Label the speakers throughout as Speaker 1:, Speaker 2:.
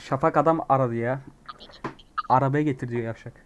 Speaker 1: Şafak adam aradı ya. Arabaya getir diyor yavşak.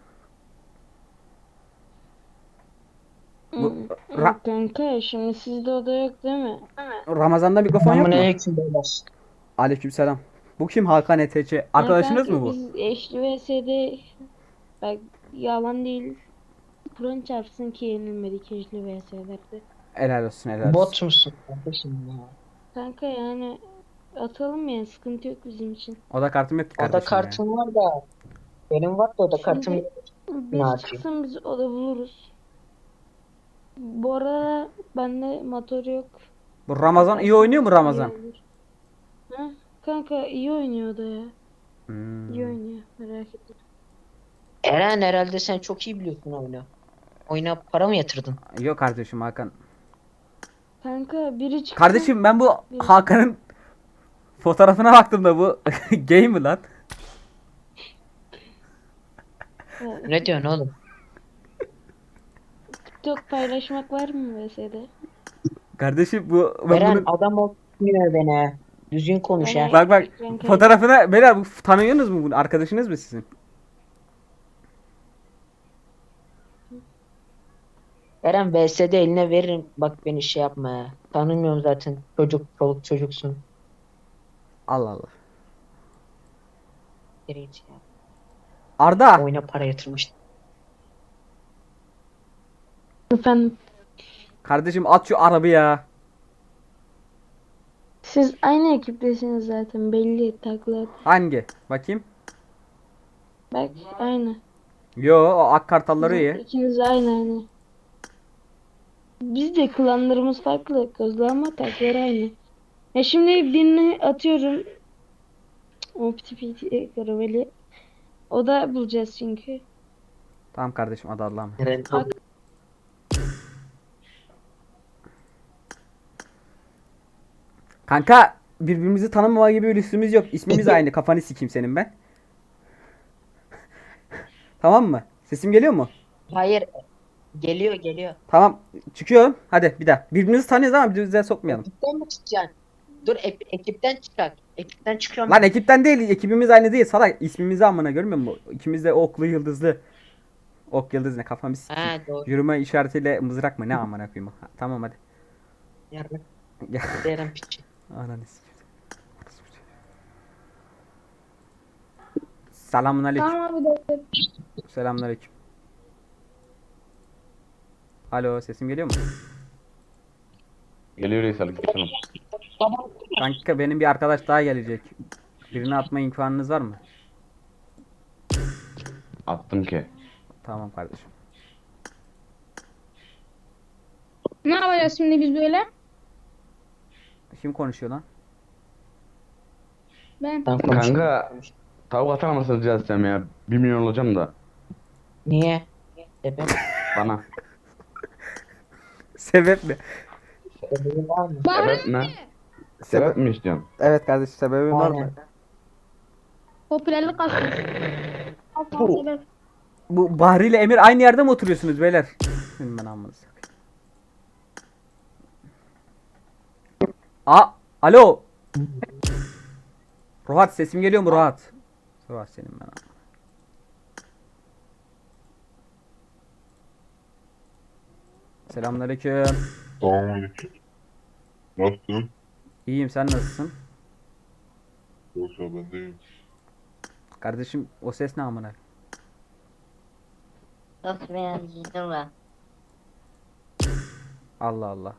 Speaker 1: Bu Ra-
Speaker 2: Kanka şimdi sizde oda yok değil mi?
Speaker 1: Ramazan'da mikrofon yok mu?
Speaker 3: Selamünaleyküm beyler.
Speaker 1: Aleykümselam. Bu kim? Hakan ETC.
Speaker 2: Ya
Speaker 1: Arkadaşınız mı
Speaker 2: kanka
Speaker 1: bu?
Speaker 2: biz eşli vs'de bak yalan değil. Kur'an çarpsın ki yenilmedik eşli vs'lerde.
Speaker 1: Helal olsun, helal olsun.
Speaker 3: Bot musun kardeşim ya?
Speaker 2: Kanka yani atalım ya sıkıntı yok bizim için.
Speaker 1: Oda kartım yok ki
Speaker 3: Oda
Speaker 1: kardeşim ya.
Speaker 3: kartım var da benim var da oda kartım
Speaker 2: Şimdi
Speaker 3: yok. Ne
Speaker 2: biz
Speaker 3: yapayım?
Speaker 2: çıksın biz oda buluruz. Bu arada bende motor yok.
Speaker 1: Bu Ramazan iyi oynuyor mu
Speaker 2: Atarsanız iyi
Speaker 1: Ramazan?
Speaker 2: olur. Ha? Kanka iyi oynuyor da ya. İyi
Speaker 1: Hmm.
Speaker 2: oynuyor merak etme.
Speaker 3: Eren herhalde sen çok iyi biliyorsun oyunu. Oyuna para mı yatırdın?
Speaker 1: Yok kardeşim Hakan.
Speaker 2: Kanka biri çıksın.
Speaker 1: Kardeşim ben bu
Speaker 2: biri
Speaker 1: Hakan'ın fotoğrafına baktım da bu gay mi lan?
Speaker 2: çıksın.
Speaker 3: Ne diyorsun oğlum?
Speaker 2: TikTok paylaşmak var mı vs'de?
Speaker 1: Kardeşim bu ben
Speaker 3: Eren
Speaker 1: bunun
Speaker 3: adam olmuyor beni. Düzgün konuş ha.
Speaker 1: bak bak
Speaker 2: Ekran kaydı.
Speaker 1: fotoğrafına beyler bu tanıyorsunuz mu bunu? Arkadaşınız mı sizin?
Speaker 3: Eren VS'de eline veririm. Bak beni şey yapma ya. Tanımıyorum zaten. Çoluk çocuksun.
Speaker 1: Allah Allah.
Speaker 3: Geri git ya.
Speaker 1: Arda.
Speaker 3: Oyuna para yatırmıştım.
Speaker 2: Efendim
Speaker 1: Kardeşim at şu arabaya.
Speaker 2: siz aynı ekiptesiniz zaten belli takla.
Speaker 1: Hangi? Bakayım.
Speaker 2: Bak aynı.
Speaker 1: Yo o ak kartalları iyi.
Speaker 2: İkiniz aynı. Biz de klanlarımız farklı kozlu ama takları aynı. Ya şimdi birini atıyorum. O piti piti karaveli. O da bulacağız çünkü.
Speaker 1: Tamam kardeşim adı Allah'ım.
Speaker 3: Eren
Speaker 2: Bak
Speaker 1: Kanka birbirimizi tanımama gibi bir lüksümüz yok. İsmimiz aynı. Kafanı sikeyim senin ben. Tamam mı? Sesim geliyor mu?
Speaker 3: hayır. Geliyor.
Speaker 1: Tamam. Çıkıyorum. Hadi bir daha. Birbirimizi tanıyoruz ama birbirimize sokmayalım.
Speaker 3: Ekipten mi çıkacaksın? Dur ekipten çıkar. Ekipten çıkıyorum.
Speaker 1: Lan ekipten değil. Ekibimiz aynı değil. Salak. İsmimizi amına görmüyor musun? İkimiz de oklu yıldızlı. Ok yıldız ne kafamı sikeyim.
Speaker 3: Ha doğru.
Speaker 1: Yürüme işaretiyle mızrak mı ne amına koyayım. Ha, tamam hadi.
Speaker 3: Yarın
Speaker 1: Gel.
Speaker 3: Eren piçi.
Speaker 1: Ananı sikeyim. Selamünaleyküm.
Speaker 2: tamam abi de.
Speaker 1: Selamünaleyküm. Alo sesim geliyor mu?
Speaker 4: Geliyor reis aleykümselam.
Speaker 1: Kanka benim bir arkadaş daha gelecek. Birini atma imkanınız var mı?
Speaker 4: Attım ki.
Speaker 1: Tamam kardeşim.
Speaker 5: Ne yapacağız şimdi biz böyle?
Speaker 1: Kim konuşuyor lan?
Speaker 5: Ben.
Speaker 3: Ben konuşuyorum.
Speaker 4: Kanka tavuk atar mısın rica etsem ya? 1 milyon olacağım da.
Speaker 3: Niye? Sebep?
Speaker 4: Bana.
Speaker 1: Sebep mi?
Speaker 3: Sebebi var mı?
Speaker 4: Sebep ne? Sebep mi istiyorsun?
Speaker 1: Evet kardeşim sebebin var mı?
Speaker 3: Aynen.
Speaker 5: Popülerlik kasıyor. Aslan sebep.
Speaker 1: Bu Bahri ile Emir aynı yerde mi oturuyorsunuz beyler? Senin ben amına sakayım. Alo. Ruhat sesim geliyor mu Ruhat? Ruhat senin ben amına. Selamünaleyküm.
Speaker 6: Selamünaleyküm. Nasılsın?
Speaker 1: İyiyim sen nasılsın?
Speaker 6: Yoksa ben değilim.
Speaker 1: Kardeşim o ses ne amına?
Speaker 7: Nasıl beğendin ben?
Speaker 1: Allah Allah.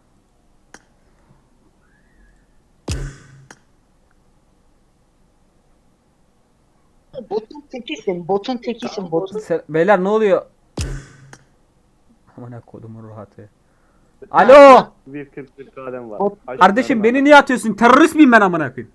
Speaker 3: Botun tekisin.
Speaker 1: Beyler ne oluyor? Amına kodumun Ruhat'ı. Alo.
Speaker 8: 1.41 kadem var.
Speaker 1: Kardeşim beni niye atıyorsun? Terörist miyim ben amına koyayım?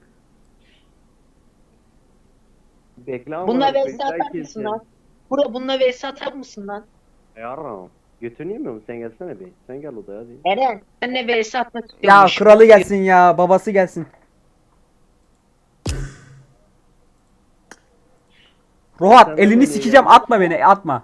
Speaker 8: Bekle ama.
Speaker 3: Bununla
Speaker 8: bekle,
Speaker 3: vs atar
Speaker 8: kesin.
Speaker 3: mısın lan? Bununla vs atar mısın lan?
Speaker 8: Yarram. Götünü yemiyor musun? Sen gelsene bir. Sen gel odaya hadi.
Speaker 3: Eren. Senle vs atmak
Speaker 1: Ya
Speaker 3: istiyormuş.
Speaker 1: kralı gelsin ya, babası gelsin. Ruhat
Speaker 8: Sen de
Speaker 1: elini
Speaker 8: beni
Speaker 1: sikeceğim,
Speaker 8: ya.
Speaker 1: atma beni, atma.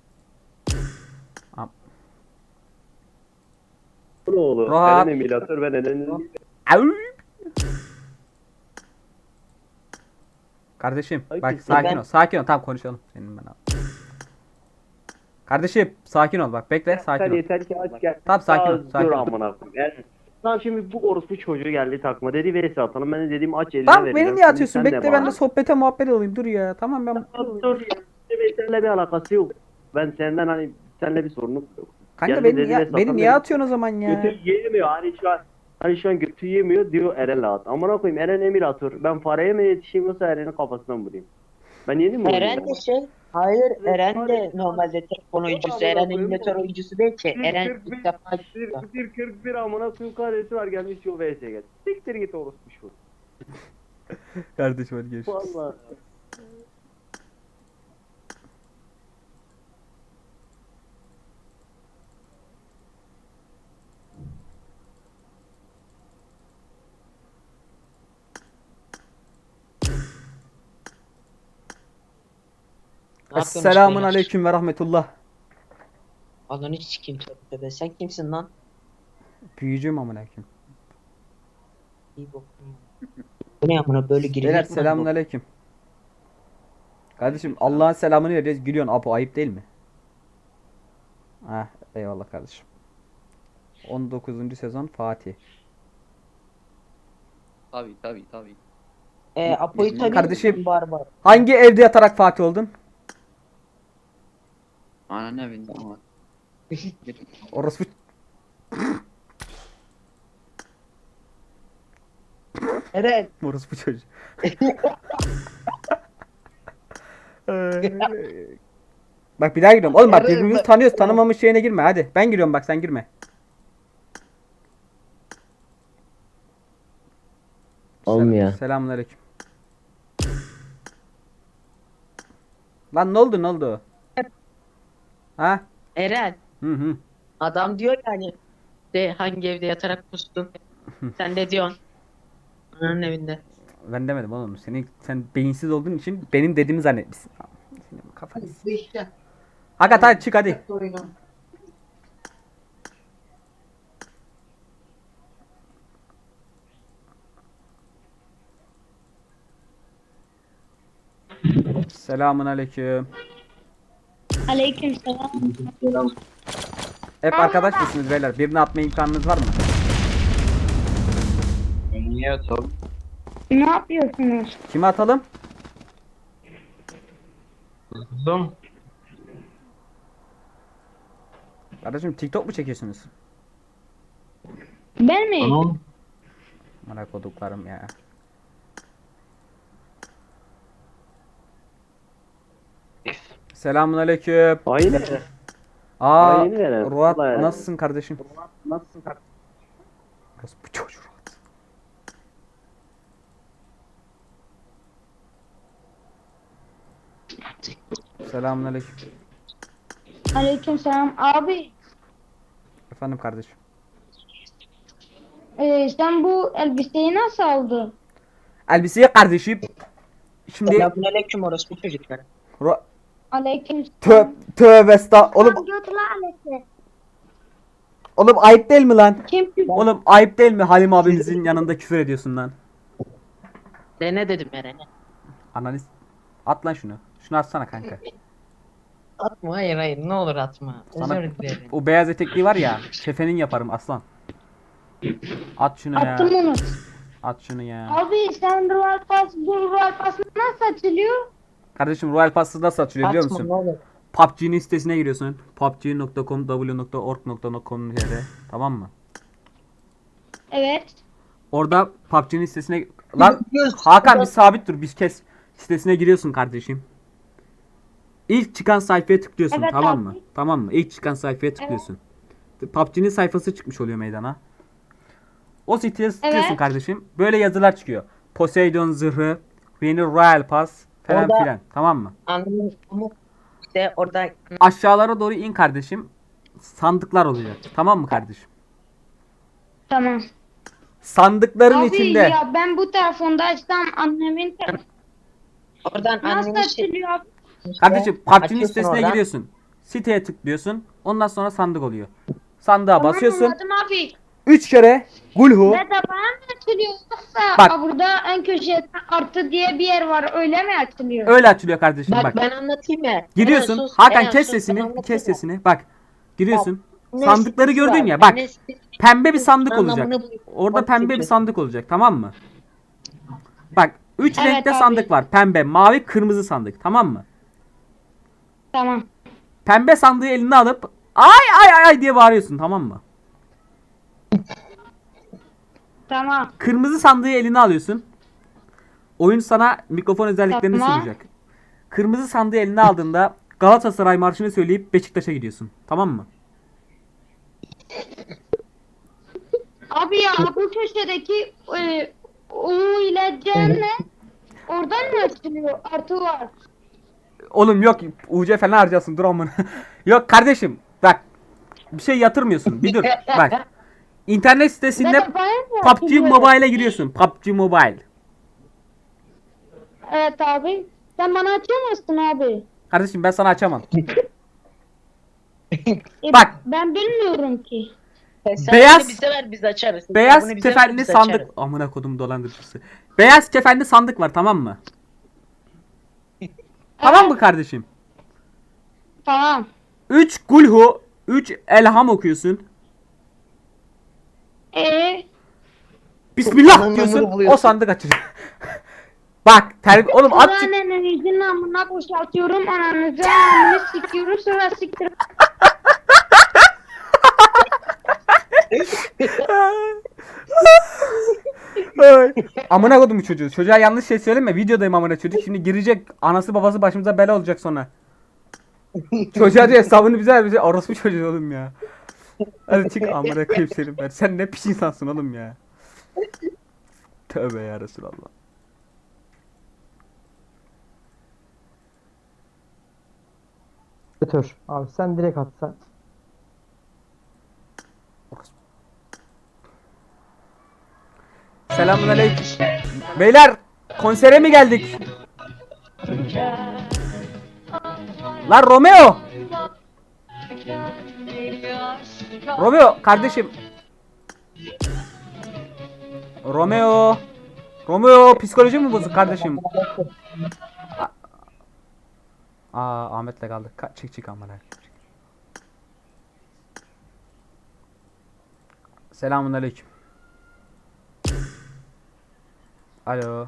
Speaker 8: Bu ne oğlu?
Speaker 1: Rahat.
Speaker 8: Eren emülatör ben Eren'in.
Speaker 1: Au. Kardeşim
Speaker 8: Ay,
Speaker 1: bak
Speaker 8: kesin.
Speaker 1: sakin
Speaker 3: Ben-
Speaker 1: ol. Sakin ol. Tamam konuşalım. Senin ben abi. Kardeşim sakin ol bak. Bekle sakin
Speaker 8: Sen
Speaker 1: ol.
Speaker 8: yeter ki aç gel.
Speaker 1: Tamam, sakin ol,
Speaker 8: Aa,
Speaker 1: sakin
Speaker 8: dur
Speaker 1: ol.
Speaker 8: amına koyayım. Yani, lan şimdi bu orospu çocuğu geldi takma dedi vs atalım. Ben de dedim aç eline
Speaker 1: Tamam
Speaker 8: vereceğim.
Speaker 1: beni niye
Speaker 8: Şimdi
Speaker 1: atıyorsun?
Speaker 8: sen de
Speaker 1: Bekle ben de
Speaker 8: bana-
Speaker 1: sohbete muhabbet olayım. Dur ya. Tamam ben.
Speaker 8: Dur. Seninle bir alakası yok. Ben senden hani seninle bir sorunum yok.
Speaker 1: Kanka
Speaker 8: Geldi
Speaker 1: beni
Speaker 8: dedi
Speaker 1: niye,
Speaker 8: ve
Speaker 1: beni
Speaker 8: satan
Speaker 1: niye
Speaker 8: dedi.
Speaker 1: atıyorsun o zaman ya?
Speaker 8: Götü yiyemiyor. Hani şu an götü yemiyor diyor Eren'le at. Amına koyayım Eren Emir atıyor. Ben fareye mi yetişeyim yoksa Eren'in kafasından vurayım? Ben yedim mi
Speaker 3: Eren
Speaker 8: oyunu?
Speaker 3: de şey. Hayır Eren de normalde telefon oyuncusu.
Speaker 8: Amına
Speaker 3: Eren
Speaker 8: koyayım.
Speaker 3: emülatör oyuncusu değil ki. Eren
Speaker 8: 41,
Speaker 3: ilk defa
Speaker 8: Bir 41 amına koyayım karesi var gelmiş şu vs gel. Siktir git orospu şu.
Speaker 1: Kardeşim hadi görüşürüz.
Speaker 8: Vallahi.
Speaker 3: Ne yapıyorsun
Speaker 1: Esselamun
Speaker 3: beyler?
Speaker 1: aleyküm ve rahmetullah.
Speaker 3: Ananı sikeyim tövbe. Sen kimsin lan?
Speaker 1: Büyücüyüm amına koyayım.
Speaker 3: İyi bokum. Bu ne amına böyle girilir
Speaker 1: Beyler
Speaker 3: mi?
Speaker 1: selamun aleyküm. Kardeşim Allah'ın selamını vereceğiz. Gülüyorsun. Apo ayıp değil mi? Heh, eyvallah kardeşim. 19. sezon Fatih.
Speaker 9: Tabii.
Speaker 3: Apo'yu tanıyor
Speaker 1: Kardeşim.
Speaker 3: musun Barbar?
Speaker 1: Hangi evde yatarak Fatih oldun?
Speaker 9: Ananı evinde ama.
Speaker 1: Orospu.
Speaker 3: Eren.
Speaker 1: Orospu çocuğu. Bak bir daha giriyorum. Oğlum bak
Speaker 3: Yarın
Speaker 1: birbirimizi
Speaker 3: bak-
Speaker 1: tanıyoruz. Tanımamış şeyine girme hadi. Ben giriyorum bak sen girme.
Speaker 3: Olmuyor.
Speaker 1: Selamünaleyküm. Lan ne oldu? Ha?
Speaker 3: Eren.
Speaker 1: Hı.
Speaker 3: Adam diyor yani de hangi evde yatarak pustun? Sen de diyorsun. Ananın evinde.
Speaker 1: Ben demedim oğlum. Sen beyinsiz olduğun için benim dediğimi zannetmişsin. Senin kafanı. Hakikat hadi çık hadi. Selamun aleyküm.
Speaker 2: Aleykümselam.
Speaker 1: Hep arkadaş mısınız beyler? Birini atma imkanınız var mı?
Speaker 9: Niye atalım?
Speaker 2: Ne yapıyorsunuz?
Speaker 1: Kimi atalım?
Speaker 9: Kızım.
Speaker 1: Kardeşim TikTok mu çekiyorsunuz?
Speaker 2: Ben mi?
Speaker 9: Tamam.
Speaker 1: Merak koduklarım ya. Selamun aleyküm.
Speaker 8: Aynen.
Speaker 1: Aa,
Speaker 8: Aynen.
Speaker 1: Ruat
Speaker 8: Vallahi.
Speaker 1: nasılsın kardeşim? Bu çocuğu Ruat. Selamun aleyküm.
Speaker 2: Aleykümselam. Abi
Speaker 1: Efendim kardeşim.
Speaker 2: sen bu elbiseyi nasıl aldın?
Speaker 1: Elbiseyi kardeşim. Şimdi
Speaker 3: Selamünaleyküm orospu çocuklar.
Speaker 2: Aleyküm.
Speaker 1: tövbe estağ. Oğlum oğlum ayıp değil mi lan?
Speaker 2: Kim?
Speaker 1: Oğlum ayıp değil mi Halim abimizin yanında küfür ediyorsun lan?
Speaker 3: De ne dedim Eren'e?
Speaker 1: Analiz. At lan şunu. Şunu atsana kanka.
Speaker 3: Atma hayır ne olur atma.
Speaker 1: Sana
Speaker 3: Özür dilerim.
Speaker 1: o beyaz etekli var ya. Kefenin yaparım aslan. At şunu ya.
Speaker 2: Attım onu.
Speaker 1: At şunu ya.
Speaker 2: Abi sen bu Royal Pass nasıl açılıyor?
Speaker 1: Kardeşim Royal Pass'ı nasıl açılıyor biliyor
Speaker 3: Atma
Speaker 1: musun?
Speaker 3: ne olur.
Speaker 1: PUBG'nin sitesine giriyorsun. pubg.com w.org.com tamam mı?
Speaker 2: Evet.
Speaker 1: Orada PUBG'nin sitesine... Lan Hakan bir sabit dur bir kez. Sitesine giriyorsun kardeşim. İlk çıkan sayfaya tıklıyorsun
Speaker 2: Evet,
Speaker 1: tamam
Speaker 2: abi.
Speaker 1: mı? Tamam mı? İlk çıkan sayfaya tıklıyorsun. PUBG'nin sayfası çıkmış oluyor meydana. O siteye tıklıyorsun
Speaker 2: Evet.
Speaker 1: kardeşim. Böyle yazılar çıkıyor. Poseidon zırhı, yeni Royal Pass falan
Speaker 3: Orada-
Speaker 1: filan. Tamam mı?
Speaker 3: Anladım ama işte orada
Speaker 1: Aşağılara doğru in kardeşim. Sandıklar oluyor. Tamam mı kardeşim?
Speaker 2: Tamam.
Speaker 1: Sandıkların
Speaker 2: Abi
Speaker 1: içinde
Speaker 2: ya ben bu telefonda açsam annemin
Speaker 3: oradan
Speaker 2: nasıl
Speaker 3: annenin şey
Speaker 2: açılıyor abi?
Speaker 1: kardeşim PUBG'nin
Speaker 3: açıyorsun
Speaker 1: sitesine
Speaker 3: oradan.
Speaker 1: giriyorsun. Siteye tıklıyorsun. Ondan sonra sandık oluyor. Sandığa
Speaker 2: Tamam,
Speaker 1: basıyorsun.
Speaker 2: anladım abi.
Speaker 1: 3 kere Gulhu.
Speaker 5: Ve tabağı mı açılıyor yoksa
Speaker 1: Bak.
Speaker 5: burada en köşede artı diye bir yer var öyle mi açılıyor?
Speaker 1: Öyle açılıyor kardeşim
Speaker 3: Bak,
Speaker 1: bak.
Speaker 3: ben anlatayım ya.
Speaker 1: Giriyorsun.
Speaker 3: Eren sus,
Speaker 1: Hakan
Speaker 3: Eren
Speaker 1: kes
Speaker 3: sus, ben
Speaker 1: sesini.
Speaker 3: anlatayım
Speaker 1: Kes
Speaker 3: ya.
Speaker 1: sesini. Bak. Giriyorsun.
Speaker 3: Ne
Speaker 1: Sandıkları
Speaker 3: sitesi
Speaker 1: gördün
Speaker 3: var,
Speaker 1: ya. Bak.
Speaker 3: ne sitesi-
Speaker 1: Pembe bir sandık olacak.
Speaker 3: Anlamını bul-
Speaker 1: Orada
Speaker 3: bak
Speaker 1: pembe bir
Speaker 3: seçiyorsun.
Speaker 1: sandık olacak. Tamam mı? Bak. 3
Speaker 5: Evet
Speaker 1: renkte
Speaker 5: abi.
Speaker 1: sandık var. Pembe, mavi, kırmızı sandık. Tamam mı?
Speaker 5: Tamam.
Speaker 1: Pembe sandığı eline alıp ay ay ay ay diye bağırıyorsun. Tamam mı?
Speaker 5: Tamam.
Speaker 1: Kırmızı sandığı eline alıyorsun. Oyun sana mikrofon özelliklerini
Speaker 5: Tamam.
Speaker 1: sunacak. Kırmızı sandığı eline aldığında Galatasaray marşını söyleyip Beşiktaş'a gidiyorsun. Tamam mı?
Speaker 5: Abi ya bu köşedeki U ile C ne? Oradan mı açılıyor? Artı var.
Speaker 1: Oğlum yok UC falan harcasın dur amına. Yok kardeşim bak bir şey yatırmıyorsun. Bir dur bak. İnternet
Speaker 5: Ve
Speaker 1: sitesinde
Speaker 5: tabağı mı
Speaker 1: PUBG
Speaker 5: açılıyor?
Speaker 1: Mobile'e giriyorsun. PUBG Mobile.
Speaker 5: Evet abi. Sen bana açamazsın abi.
Speaker 1: Kardeşim ben sana açamam. Bak.
Speaker 5: Ben bilmiyorum ki.
Speaker 3: Sen
Speaker 1: Beyaz-
Speaker 3: bunu bize ver biz açarız. Sen
Speaker 1: Beyaz
Speaker 3: bunu bize ver,
Speaker 1: kefenli
Speaker 3: biz
Speaker 1: sandık.
Speaker 3: açarız.
Speaker 1: Amına kodum dolandırıcısı. Beyaz kefenli sandık var tamam mı? Tamam mı kardeşim?
Speaker 5: Tamam.
Speaker 1: 3 Gulhu, 3 Elham okuyorsun. Bismillah
Speaker 3: Anlamını
Speaker 1: diyorsun.
Speaker 3: buluyorsun.
Speaker 1: O sandık açacak. Bak oğlum at çık.
Speaker 5: Annenizin amına boşaltıyorum. Ananızın amını sikiyorum. Sonra siktir.
Speaker 1: Ay. Amına kodum bu çocuğu. Çocuğa yanlış şey söyleme. Videodayım amına çocuk. Şimdi girecek. Anası babası başımıza bela olacak sonra. Çocuğa diyor hesabını bize ver. Bize orospu çocuğu oğlum ya. Hadi çık amına koyayım seni ben. Sen ne piç insansın oğlum ya. Tövbe ya Resulallah.
Speaker 10: Dur. Abi sen direkt atsan.
Speaker 1: Selamünaleyküm. Beyler konsere mi geldik? Lan Romeo. Romeo kardeşim. Romeo. Romeo psikoloji mi bozuk kardeşim? Ahmet'le kaldık. Çık amına. Selamünaleyküm. Alo.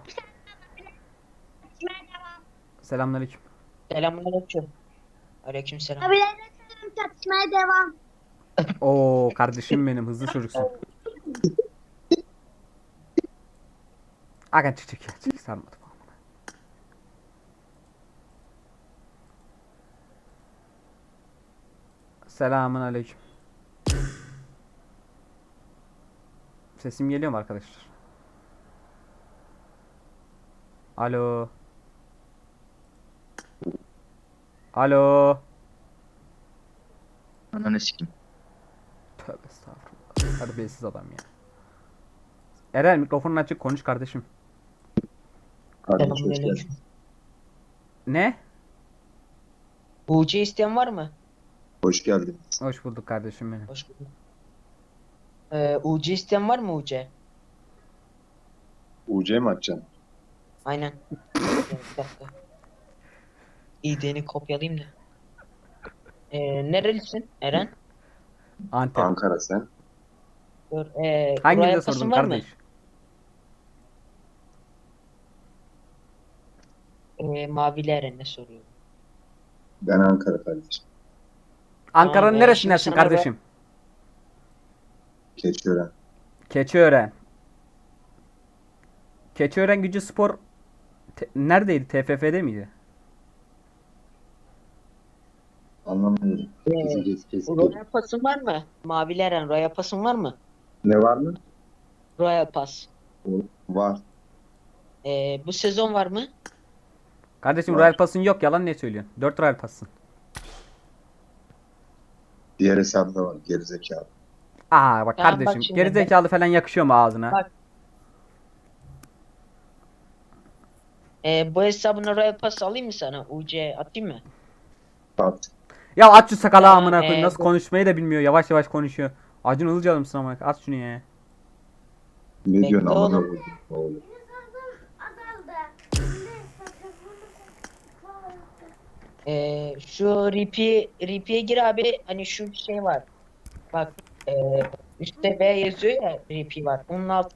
Speaker 1: Selamünaleyküm.
Speaker 3: Selamünaleyküm. Aleykümselam.
Speaker 5: Abilerle çatışmaya devam.
Speaker 1: Oo kardeşim benim hızlı çocuksun. Aga çık ya çık sarmadım. Selamun aleyküm. Sesim geliyor mu arkadaşlar? Alo. Alo.
Speaker 9: Ananı sikim.
Speaker 1: Tövbe estağfurullah. Terbiyesiz adam ya. Eren mikrofonun açık konuş kardeşim.
Speaker 3: Selamünaleyküm.
Speaker 1: Ne?
Speaker 3: UC isteyen var mı?
Speaker 6: Hoş geldin.
Speaker 1: Hoş bulduk kardeşim benim.
Speaker 3: Hoş bulduk. UC isteyen var mı UC?
Speaker 6: UC mi açacaksın?
Speaker 3: Aynen. Bir dakika. İD'ni kopyalayayım da. Nerelisin Eren?
Speaker 1: Antep.
Speaker 6: Ankara sen.
Speaker 3: Dur,
Speaker 1: Hanginize
Speaker 3: buraya
Speaker 1: sordum
Speaker 3: pasın var mı?
Speaker 1: kardeş?
Speaker 3: Mavili Eren'e soruyorum.
Speaker 6: Ben Ankara kardeşim.
Speaker 1: Ankara'nın
Speaker 3: Tamam,
Speaker 1: neresindensin
Speaker 3: şimdi sana
Speaker 1: kardeşim?
Speaker 6: Keçiören.
Speaker 1: Keçiören. Keçiören Gücü Spor neredeydi? TFF'de miydi?
Speaker 6: Anlamıyorum.
Speaker 3: Royal pasın var mı? Mavili Eren Royal pasın var mı?
Speaker 6: Ne var mı?
Speaker 3: Royal pas.
Speaker 6: Var.
Speaker 3: Bu sezon var mı?
Speaker 1: Kardeşim
Speaker 6: Var.
Speaker 1: Royal Pass'ın yok yalan ne söylüyorsun? 4 Royal Pass'ın.
Speaker 6: Diğer hesabda var. Gerizekalı.
Speaker 1: Bak
Speaker 3: Tamam, bak
Speaker 1: kardeşim
Speaker 3: şimdi
Speaker 1: gerizekalı falan yakışıyor mu ağzına?
Speaker 3: Bak. Bu hesabına Royal pas alayım mı sana? UC atayım mı?
Speaker 6: At.
Speaker 1: Ya aç şu sakalı
Speaker 3: Tamam,
Speaker 1: amına koyayım nasıl
Speaker 3: dur.
Speaker 1: konuşmayı da bilmiyor yavaş yavaş konuşuyor. Acun Ilıcalı mısın ama? At şunu ya.
Speaker 6: Ne
Speaker 3: Bekle
Speaker 6: diyorsun amına
Speaker 3: oğlum.
Speaker 6: koydum oğlum.
Speaker 3: Şu RP'ye gir abi. Hani şu şey var. Bak üstte V yazıyor ya, RP var. Onun alt.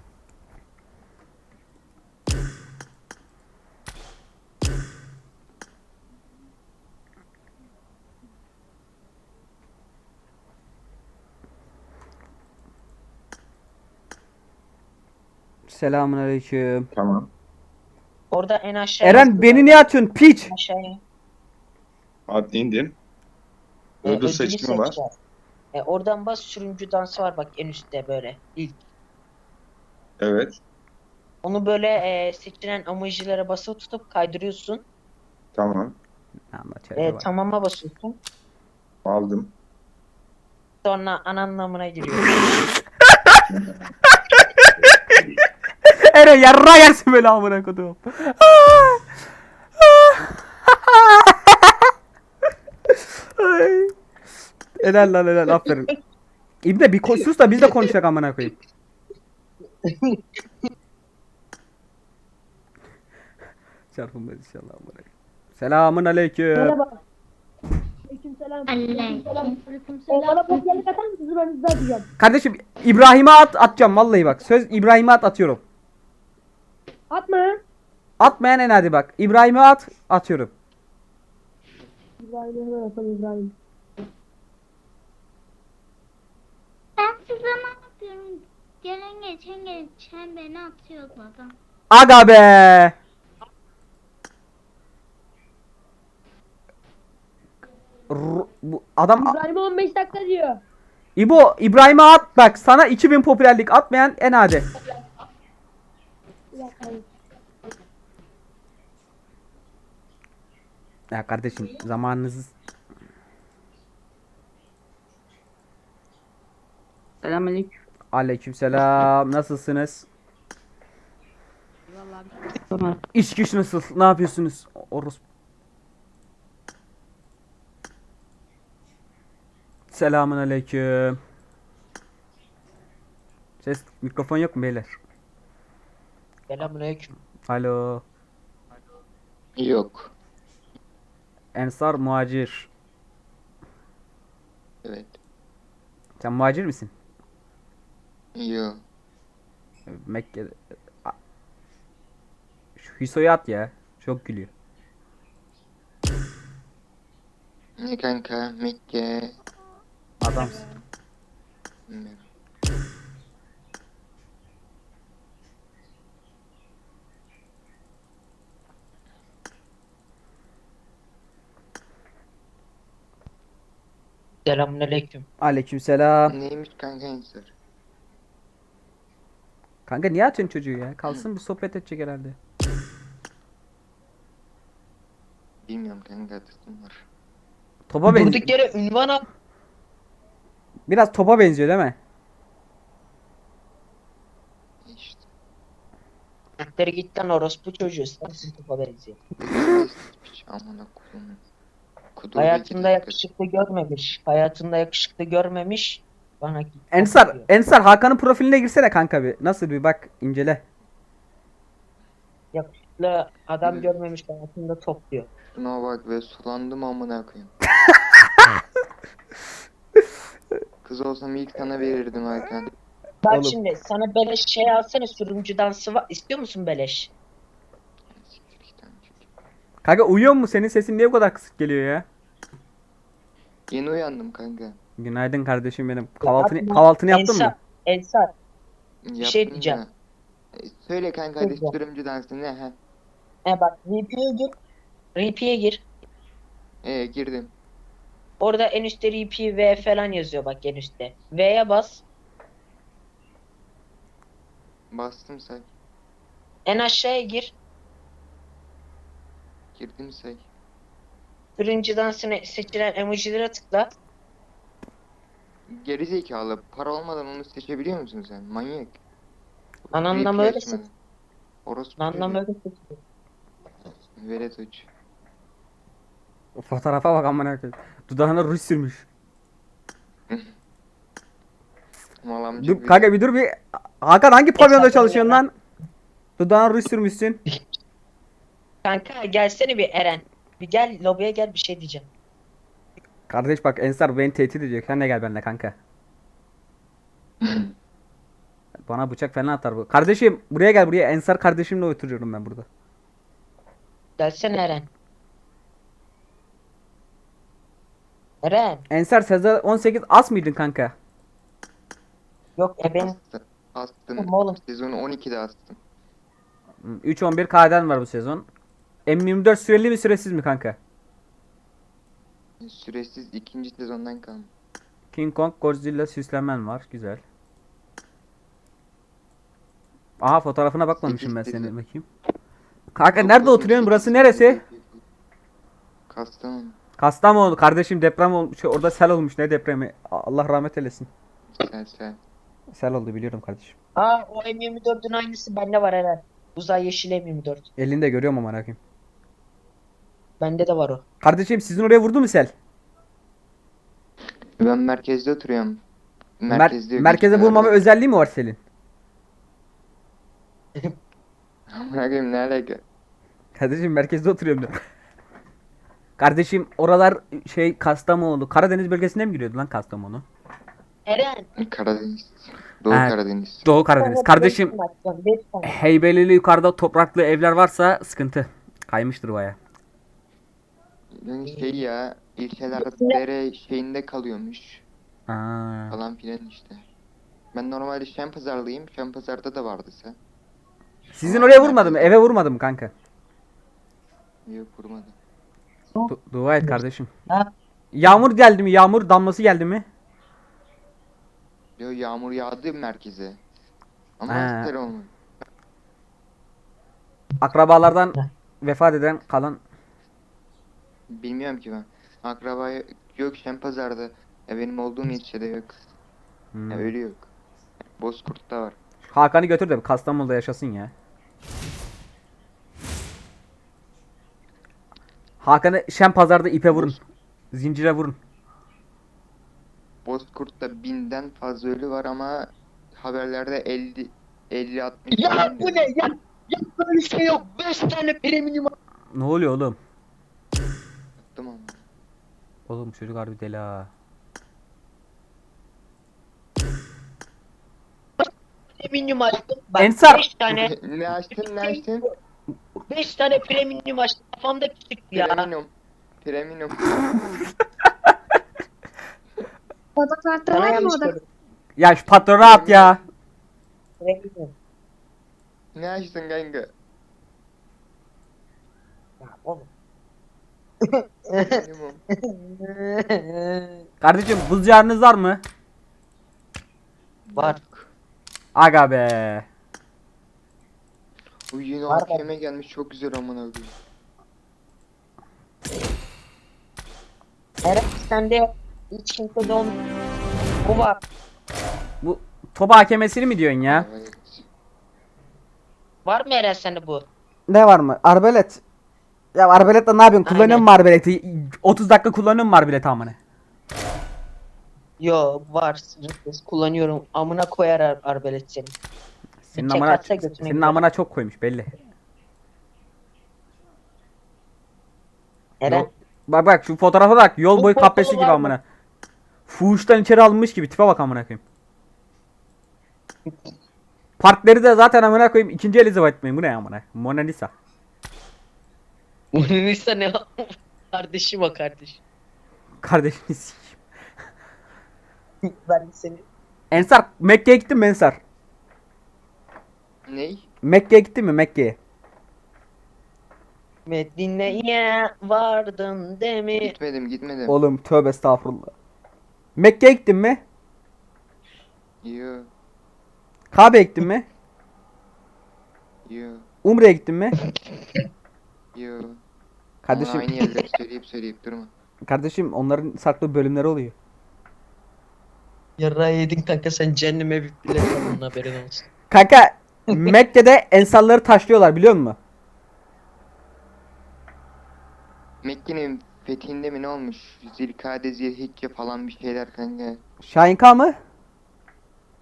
Speaker 1: Selamun aleyküm.
Speaker 6: Tamam.
Speaker 3: Orada en aşağıya
Speaker 1: Eren beni niye atıyorsun piç?
Speaker 3: aşağıya.
Speaker 6: Hadi indim.
Speaker 3: Ödülü
Speaker 6: Ödül seçimi var.
Speaker 3: seç. Oradan bas, sürümcü dansı var bak en üstte böyle. İlk.
Speaker 6: Evet.
Speaker 3: Onu böyle seçilen emojilere basılı tutup kaydırıyorsun.
Speaker 6: Tamam.
Speaker 1: Anlatacağım.
Speaker 3: Tamama basıyorsun.
Speaker 6: Aldım.
Speaker 3: Sonra an anlamına giriyor.
Speaker 1: Eren yarra yersin böyle amına kodum. Ay. Helal lan helal aferin. İbne bir sus da biz de konuşak amına koyayım. Çarpılmaz inşallah amına koyayım. Selamun aleyküm.
Speaker 2: Merhaba. Aleykümselam. Bana kopyalık atar mısınız? Önünüzde atacağım.
Speaker 1: Kardeşim İbrahim'e atacağım vallahi bak. Söz İbrahim'e atıyorum.
Speaker 2: Atma.
Speaker 1: Atmayan en hadi bak. İbrahim'e atıyorum.
Speaker 2: İbrahim'e hemen atalım İbrahim.
Speaker 5: Ben size ne yapıyorum? Gelen geçen beni atıyordu adam.
Speaker 1: Aga be. Bu adam
Speaker 2: İbrahim'e 15 dakika diyor.
Speaker 1: İbo İbrahim'e at bak sana 2000 popülerlik atmayan en hadi.
Speaker 2: Bir dakika.
Speaker 1: Ya kardeşim zamanınız
Speaker 7: Selamünaleyküm.
Speaker 1: Aleykümselam nasılsınız? İş güç nasıl? Ne yapıyorsunuz? Orospu. Selamun aleyküm. Ses mikrofon yok mu beyler?
Speaker 3: Selamünaleyküm.
Speaker 1: Alo.
Speaker 9: Yok.
Speaker 1: Ensar muhacir.
Speaker 9: Evet.
Speaker 1: Sen muhacir misin?
Speaker 9: Yok.
Speaker 1: Mekke'de. Şu Hüso'yu at ya. Çok gülüyor.
Speaker 9: Ne kanka? Mekke.
Speaker 1: Adamsın.
Speaker 9: Bilmiyorum.
Speaker 3: Selamünaleyküm.
Speaker 1: Aleykümselam.
Speaker 9: Neymiş kanka Ensar?
Speaker 1: Kanka niye atıyorsun çocuğu ya? Kalsın bir sohbet edecek herhalde.
Speaker 9: Bilmiyorum kanka atasım var.
Speaker 1: Topa benziyor.
Speaker 3: Durduk yere ünvan at.
Speaker 1: Biraz topa benziyor değil mi?
Speaker 9: İşte.
Speaker 3: Siktir git lan orospu çocuğu. Sensin topa benziyor.
Speaker 9: Piç amına koyayım.
Speaker 3: Hayatında yakışıklı görmemiş. Hayatında yakışıklı görmemiş. Bana git.
Speaker 1: Ensar Hakan'ın profiline girsene kanka bir. Nasıl bir bak incele.
Speaker 3: Yakışıklı adam görmemiş, hayatında topluyor.
Speaker 9: Şuna bak ve sulandım amına koyayım. Kız olsam ilk sana verirdim Hakan.
Speaker 3: Bak
Speaker 1: Oğlum.
Speaker 3: şimdi sana beleş şey alsana, sürümcü dansı var. İstiyor musun beleş?
Speaker 9: Siktir git amına koyayım.
Speaker 1: Kanka uyuyor mu? Senin sesin niye bu kadar kısık geliyor ya?
Speaker 9: Yeni uyandım kanka.
Speaker 1: Günaydın kardeşim benim.
Speaker 3: Yapma.
Speaker 1: Kahvaltını yaptın mı?
Speaker 3: Ensar. şey
Speaker 9: Yaptım
Speaker 3: diyeceğim.
Speaker 9: da. Söyle kanka hadi
Speaker 3: Söyle.
Speaker 9: sürümcü dansı ne ha?
Speaker 3: Bak RP'ye gir. RP'ye gir.
Speaker 9: Girdim.
Speaker 3: Orada en üstte RP V falan yazıyor bak en üstte. V'ye bas.
Speaker 9: Bastım say.
Speaker 3: En aşağıya gir.
Speaker 9: Girdim say.
Speaker 3: Sürümcü dansını seçilen emojilere tıkla.
Speaker 9: Gerizekalı para olmadan onu seçebiliyor musun sen? Manyak.
Speaker 3: Anlamda öyle seç.
Speaker 9: Orospu
Speaker 3: Anlamda öyle seç.
Speaker 9: Velet uç.
Speaker 1: Fotoğrafa bak amına koyayım. Dudağına ruj sürmüş.
Speaker 9: Mal amca
Speaker 1: Dur
Speaker 9: gibi.
Speaker 1: kanka bir dur bir. Hakan hangi pavyonda çalışıyorsun lan? Dudağına ruj sürmüşsün.
Speaker 3: Kanka gelsene bir Eren. Bir gel lobiye gel bir şey diyeceğim.
Speaker 1: Kardeş bak Ensar beni tehdit edecek. Sen de gel benimle kanka. Bana bıçak falan atar bu. Kardeşim buraya gel buraya. Ensar kardeşimle oturuyorum ben burada.
Speaker 3: Gelsene Eren. Eren.
Speaker 1: Ensar Sezar 18 as mıydın kanka?
Speaker 3: Yok ben
Speaker 9: Astım.
Speaker 3: oğlum.
Speaker 9: Sezonu 12'de astım.
Speaker 1: 3-11 KD'n var bu sezon. M24 süreli mi süresiz mi kanka?
Speaker 9: Süresiz ikinci sezondan kalma.
Speaker 1: King Kong Godzilla süslemen var. Güzel. Aha fotoğrafına bakmamışım ben
Speaker 9: Sekiz
Speaker 1: senin
Speaker 9: dedi.
Speaker 1: bakayım. Kanka nerede oturuyorsun? Burası neresi?
Speaker 9: Kastamonu.
Speaker 1: Kastamonu. Kardeşim deprem olmuş. Orada sel olmuş. Ne depremi? Allah rahmet eylesin.
Speaker 9: Sen.
Speaker 1: Sel oldu biliyorum kardeşim.
Speaker 3: Aa o M24'ün aynısı bende var Eren. Uzay yeşil M24.
Speaker 1: Elinde görüyorum ama bakayım.
Speaker 3: Bende de var o.
Speaker 1: Kardeşim sizin oraya vurdu mu sel?
Speaker 9: Ben merkezde oturuyorum. Merkezde yok.
Speaker 1: Merkeze
Speaker 9: hiçbir
Speaker 1: vurmama
Speaker 9: yerde.
Speaker 1: özelliği mi var selin?
Speaker 9: Amına koyayım, ne alaka?
Speaker 1: Kardeşim merkezde oturuyorum diyorum. Kardeşim oralar şey Kastamonu. Karadeniz bölgesine mi giriyordu lan Kastamonu?
Speaker 3: Eren.
Speaker 9: Karadeniz. Doğu
Speaker 1: Evet.
Speaker 9: Karadeniz.
Speaker 1: Doğu Karadeniz. Kardeşim
Speaker 3: Beş tane.
Speaker 1: Heybelili yukarıda topraklı evler varsa sıkıntı. Kaymıştır baya.
Speaker 9: Yani şey ya, ilçeler dere şeyinde kalıyormuş
Speaker 1: Aa.
Speaker 9: falan filan işte. Ben normalde Şempazarlıyım. Şempazar'da da vardı sen.
Speaker 1: Sizin oraya vurmadı mı? Eve vurmadı mı kanka?
Speaker 9: Yok, vurmadı.
Speaker 1: Dua et kardeşim.
Speaker 3: Ha?
Speaker 1: Yağmur geldi mi? Yağmur damlası geldi mi?
Speaker 9: Yo, yağmur yağdı merkeze. Ama
Speaker 1: Ha.
Speaker 9: sel olmadı.
Speaker 1: Akrabalardan vefat eden kalan.
Speaker 9: Bilmiyorum ki ben. Akraba yok Şempazar'da. Benim olduğum ilçede yok.
Speaker 1: Hmm.
Speaker 9: Öyle yok. Bozkurt'ta var.
Speaker 1: Hakan'ı götür de Kastamonu'da yaşasın ya. Hakan'ı Şempazar'da ipe vurun. Zincire vurun.
Speaker 9: Bozkurt'ta 1000'den fazla ölü var ama haberlerde 50-60
Speaker 3: Ya
Speaker 9: falan
Speaker 3: bu
Speaker 9: diyor.
Speaker 3: ne ya? Ya böyle şey yok. 5 tane premium.
Speaker 1: Ne oluyor oğlum?
Speaker 9: Attım ama.
Speaker 1: Oğlum çocuk harbi deli ha.
Speaker 3: Premium açtım. Bak
Speaker 1: Ensar!
Speaker 3: 5 tane.
Speaker 9: Ne açtın?
Speaker 3: 5 tane premium açtım. Kafamda küçük ya.
Speaker 9: Premium.
Speaker 5: Oda kartı
Speaker 3: Sana
Speaker 5: var mı
Speaker 3: yanlış
Speaker 5: oda?
Speaker 3: söyledim.
Speaker 1: Ya şu patronu at ya.
Speaker 3: Premium.
Speaker 9: Ne açtın kanka?
Speaker 3: Ya oğlum.
Speaker 9: Premium.
Speaker 1: Kardeşim buz yarınız var mı?
Speaker 3: Var.
Speaker 1: Aga be.
Speaker 9: Bu yeni
Speaker 3: Var
Speaker 9: AKM gelmiş, çok güzel amına koyayım.
Speaker 3: Eren sende hiç kimse de olmuyor. Bu var.
Speaker 1: Bu topa hakemesini mi diyorsun ya?
Speaker 9: Evet.
Speaker 3: Var mı Eren sende bu?
Speaker 1: Ne var mı? Arbelet. Ya arbeletle ne yapıyorsun? Kullanıyor mu arbeleti? 30 dakika kullanıyor mu arbeleti amına?
Speaker 3: Yo var. Sınırsız kullanıyorum. Amına koyar arbelet seni.
Speaker 1: Senin
Speaker 3: Çek
Speaker 1: amına,
Speaker 3: atsa götüne
Speaker 1: senin
Speaker 3: gider.
Speaker 1: amına çok koymuş belli.
Speaker 3: Eren.
Speaker 1: Yol- bak şu fotoğrafa bak. Yol
Speaker 3: Bu
Speaker 1: boyu
Speaker 3: fotoğrafı
Speaker 1: kahpesi gibi
Speaker 3: var mı?
Speaker 1: amına. Fuhuştan içeri alınmış gibi tipe bak amına koyayım. Partleri de zaten amına koyayım. İkinci Elizabeth mi? Bu ne amına? Mona Lisa.
Speaker 3: Bunun ise ne? Kardeşim o kardeş.
Speaker 1: Kardeşini sikeyim.
Speaker 3: Ben seni.
Speaker 1: Ensar Mekke'ye gittin mi Ensar?
Speaker 9: Ney?
Speaker 1: Mekke'ye gittin mi Mekke'ye?
Speaker 3: Medine'ye vardın demi.
Speaker 9: Gitmedim.
Speaker 1: Oğlum tövbe estağfurullah. Mekke'ye gittin mi?
Speaker 9: Yo.
Speaker 1: Kabe'ye gittin mi?
Speaker 9: Yo.
Speaker 1: Umre'ye gittin mi?
Speaker 9: Yo.
Speaker 1: Kardeşim,
Speaker 9: Ama aynı yerleri söyleyip durma.
Speaker 1: kardeşim onların farklı bölümleri oluyor.
Speaker 3: Yarrağı yedin kanka sen cehenneme bir bilet alın haberin olsun.
Speaker 1: Kanka Mekke'de ensarları taşlıyorlar biliyor musun?
Speaker 9: Mekke'nin fethinde mi ne olmuş? Zilkade, Zilhicce falan bir şeyler kanka.
Speaker 1: Şahinka mı?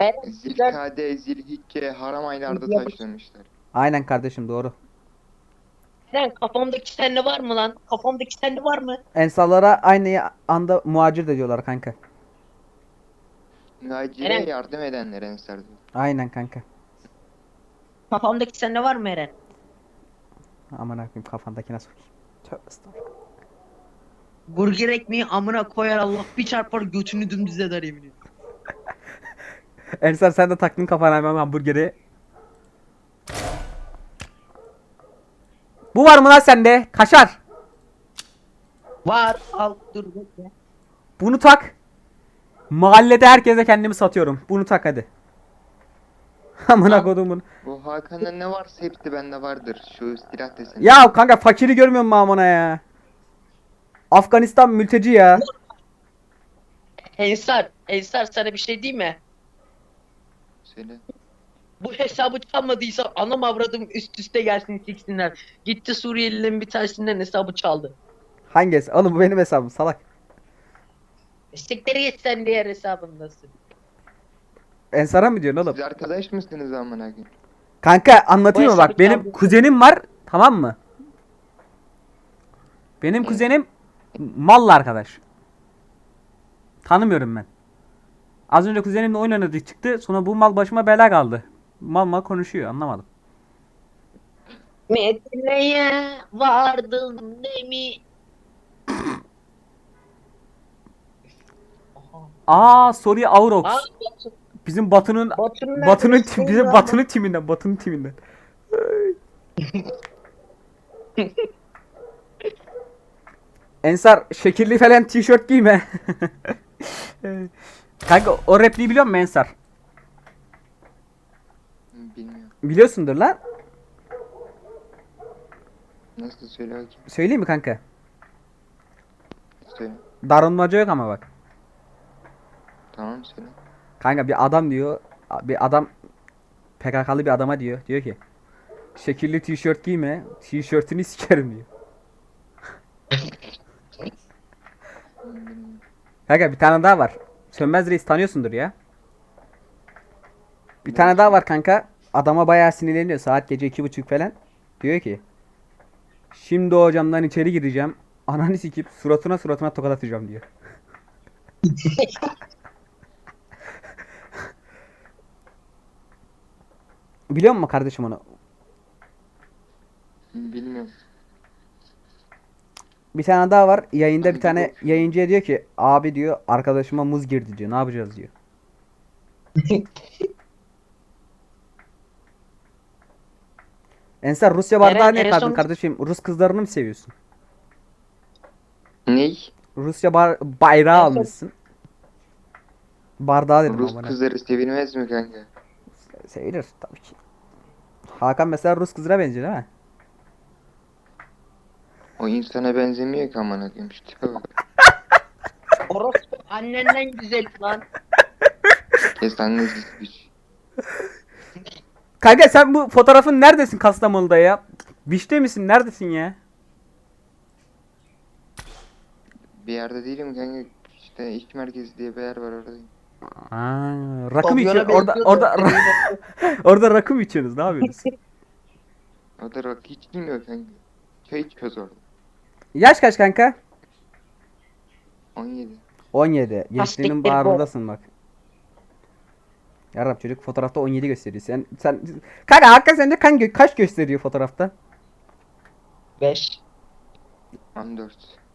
Speaker 9: Zilkade, Zilhicce haram aylarda taşlamışlar.
Speaker 1: Aynen kardeşim, doğru.
Speaker 3: Eren kafamdaki sende var mı lan? Kafamdaki sende var mı?
Speaker 1: Ensarlara aynı anda muhacir de diyorlar kanka.
Speaker 9: Muhacire
Speaker 3: Eren.
Speaker 9: yardım edenler ensar diyor.
Speaker 1: Aynen kanka.
Speaker 3: Kafamdaki sende var mı Eren?
Speaker 1: Aman akıyım, kafandakine sokayım. Tövbe estağfurullah.
Speaker 3: Burger ekmeği amına koyar Allah bir çarpar götünü dümdüz eder yemin ediyorum.
Speaker 1: Ensar sen de taktın kafana hemen hamburgeri. Bu var mı lan sende? Kaşar.
Speaker 3: Var al dur bekle.
Speaker 1: Bunu tak. Mahallede herkese kendimi satıyorum. Bunu tak hadi. Amına kodumun.
Speaker 9: Bu Hakan'da ne varsa hepsi bende vardır. Şu silah deseni.
Speaker 1: Ya kanka fakiri görmüyor musun amına ya? Afganistan mülteci ya.
Speaker 3: Ensar sana bir şey diyeyim mi?
Speaker 9: Söyle.
Speaker 3: Bu hesabı çalmadıysa anam avradım üst üste gelsin siksinler. Gitti Suriyelilerin bir tanesinden hesabı çaldı.
Speaker 1: Hangisi? Oğlum bu benim hesabım salak.
Speaker 3: Sikleri geç sen diğer hesabındasın.
Speaker 1: Ensar'a mı diyorsun oğlum?
Speaker 9: Siz arkadaş mısınız amına koyayım?
Speaker 1: Kanka anlatayım mı
Speaker 3: Bu
Speaker 1: bak,
Speaker 3: hesabı
Speaker 1: benim
Speaker 3: çaldı.
Speaker 1: kuzenim var, tamam mı? Benim kuzenim mallı arkadaş. Tanımıyorum ben. Az önce kuzenimle oyun oynadık çıktı, sonra bu mal başıma bela kaldı. Mal konuşuyor, anlamadım.
Speaker 3: Medine'ye vardım demi.
Speaker 1: Suriye Aurox.
Speaker 3: Aa,
Speaker 1: Bizim Batı'nın
Speaker 3: Batı'nın
Speaker 1: Batı'nın
Speaker 3: neredesiniz
Speaker 1: bizim
Speaker 3: lan?
Speaker 1: Batı'nın timinden. Ensar şekilli falan tişört giyme. Kanka o repliği biliyor musun Ensar?
Speaker 9: Bilmiyorum.
Speaker 1: Biliyorsundur lan.
Speaker 9: Nasıl söyle bakayım.
Speaker 1: Söyleyeyim mi kanka?
Speaker 9: Söyle.
Speaker 1: Darılmaca yok ama bak.
Speaker 9: Tamam söyle.
Speaker 1: Kanka bir adam diyor. Bir adam PKK'lı bir adama diyor. Diyor ki şekilli tişört giyme. Tişörtünü sikerim diyor. Kanka bir tane daha var. Sönmez Reis tanıyorsundur ya. Bir tane daha var kanka. Adama bayağı sinirleniyor. Saat gece 2:30 falan. Diyor ki şimdi o camdan içeri gireceğim. Ananı sikip suratına tokat atacağım diyor. Biliyor musun kardeşim onu?
Speaker 9: Bilmiyorum.
Speaker 1: Bir tane daha var. Yayında bir tane yayıncıya diyor ki abi diyor arkadaşıma muz girdi diyor. Ne yapacağız diyor. Ensar Rusya bardağı
Speaker 3: Eren,
Speaker 1: ne
Speaker 3: en
Speaker 1: kaldın
Speaker 3: son-
Speaker 1: kardeşim? Rus kızlarını mı seviyorsun?
Speaker 9: Ney?
Speaker 1: Rusya bayrağı
Speaker 3: En son-
Speaker 1: almışsın. Bardağı dedim
Speaker 9: Rus
Speaker 1: ama.
Speaker 9: kızları sevilmez mi kanka?
Speaker 1: Sevilir tabii ki. Hakan mesela Rus kızına benziyor değil mi?
Speaker 9: O insana benzemiyor ki amına koyayım. Şu tipe bak.
Speaker 3: Orospu annenden güzel lan.
Speaker 9: Kes annesi güç.
Speaker 1: Kanka sen bu fotoğrafın neredesin Kastamonu'da ya? Bişte misin? Neredesin ya?
Speaker 9: Bir yerde değilim kanka. İşte iş merkezi diye bir yer var oradayım.
Speaker 1: Rakım
Speaker 3: Pavyona
Speaker 1: içiyor. Orada
Speaker 3: benziyor da.
Speaker 1: orada rakım içiyorsunuz. Ne yapıyorsunuz?
Speaker 9: O da rakı hiç bilmiyor kanka. Çay içiyoruz orada.
Speaker 1: Yaş kaç kanka?
Speaker 9: 17.
Speaker 1: 17. Gençliğinin
Speaker 3: siktir bu.
Speaker 1: bağrındasın bak. Yarab çocuk fotoğrafta 17 gösteriyor. Sen kanka hakikaten sence kaç gösteriyor fotoğrafta?
Speaker 3: 5.
Speaker 9: 14.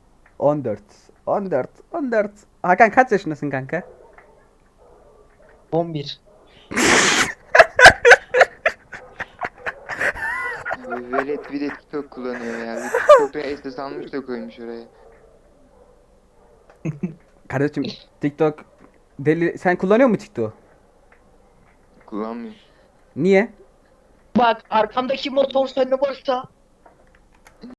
Speaker 1: 14. Hakan kaç yaşındasın kanka?
Speaker 3: 11.
Speaker 9: Velet bir de TikTok kullanıyor ya. Bir TikTok'ta SS almış da koymuş oraya.
Speaker 1: Kardeşim TikTok deli, sen kullanıyor musun TikTok?
Speaker 9: Kullanmıyor.
Speaker 1: Niye?
Speaker 3: Bak arkamdaki motor sende varsa